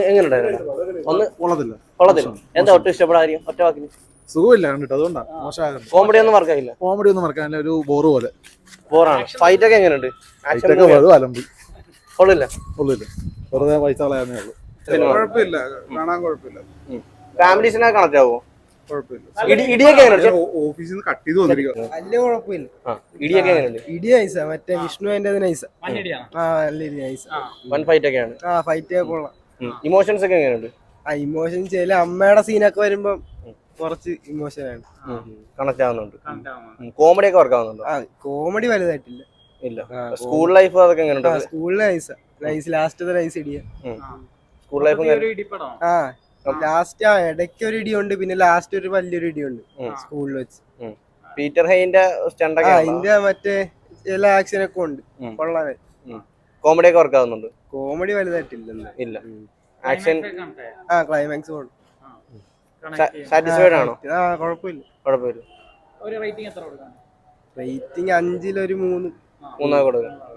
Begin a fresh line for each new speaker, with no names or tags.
എങ്ങനെയുണ്ടായിരുന്നു? ഒന്ന്
കൊള്ളത്തില്ല.
കൊള്ളത്തില്ല. എന്താ ഒട്ടും ഇഷ്ടപ്പെടാൻ കാര്യം? ഒറ്റ വാക്കിന്
സുഖമില്ല കണ്ടിട്ട്, അതുകൊണ്ടാ മോശമാകുന്നത്.
കോമഡി ഒന്നും വർക്കായില്ല.
കോമഡി ഒന്നും മറക്കാൻ ഒരു ബോറ് പോലെ.
ബോറാണ്. ഫൈറ്റ് ഒക്കെ എങ്ങനെയുണ്ട്? ആക്ഷൻ
അലമ്പി
കൊള്ളില്ല.
കൊള്ളില്ല, വെറുതെ പൈസ കളയാന്നേ ഉള്ളൂ.
കുഴപ്പമില്ല, കാണാൻ കുഴപ്പമില്ല.
ഫാമിലീസിനെ കണക്ട് ആവോ?
കുഴപ്പമില്ല.
ഇടിയൊക്കെ എങ്ങനെയുണ്ട്?
ഓഫീസിൽ നിന്ന് കട്ട് ചെയ്ത് വന്നിരിക്കുക.
വലിയ കുഴപ്പമില്ല.
ഇടിയൊക്കെ എങ്ങനെയുണ്ട്?
ഇടി നൈസ, മറ്റേ വിഷ്ണു അതിന്റെ നൈസ. നല്ല ഇടി നൈസ.
വൺ ഫൈറ്റ് ഒക്കെയാണ്.
ഫൈറ്റ് ഒക്കെ കൊള്ളാം.
ഇമോഷൻസ് ഒക്കെ എങ്ങനെയുണ്ട്?
ഇമോഷൻ ചില അമ്മയുടെ സീനൊക്കെ വരുമ്പോ കുറച്ച് ഇമോഷനാണ്.
കണക്ട് ആവുന്നുണ്ട്. കോമഡി ഒക്കെ വർക്ക് ആവുന്നുണ്ടോ?
കോമഡി വലുതായിട്ടില്ല.
ഇല്ല. സ്കൂൾ ലൈഫ് അതൊക്കെ എങ്ങനെയുണ്ട്?
സ്കൂളിൽ നൈസ് ലാസ്റ്റ് നൈസ് ഇടിയ.
സ്കൂൾ ലൈഫ്
ലാസ്റ്റ് ഇടയ്ക്ക് ഒരു ഇടിയുണ്ട്, പിന്നെ ലാസ്റ്റ് ഒരു വലിയൊരു ഇടിയുണ്ട് സ്കൂളിൽ വെച്ച്.
പീറ്റർ ഹെയിന്റെ സ്റ്റണ്ടൊക്കെ
അതിന്റെ മറ്റേ ചില ആക്ഷൻ ഒക്കെ ഉണ്ട്. കൊള്ളാൻ.
കോമഡി ഒക്കെ വർക്ക് ആവുന്നുണ്ട്.
കോമഡി വലുതായിട്ടില്ല.
ഇല്ല. ആക്ഷൻ
ക്ലൈമാക്സ്
സാറ്റിസ്ഫൈഡ് ആണോ?
കുഴപ്പമില്ല.
കുഴപ്പമില്ല.
റേറ്റിംഗ് 5 ൽ ഒരു 3
കൊടുക്കാം.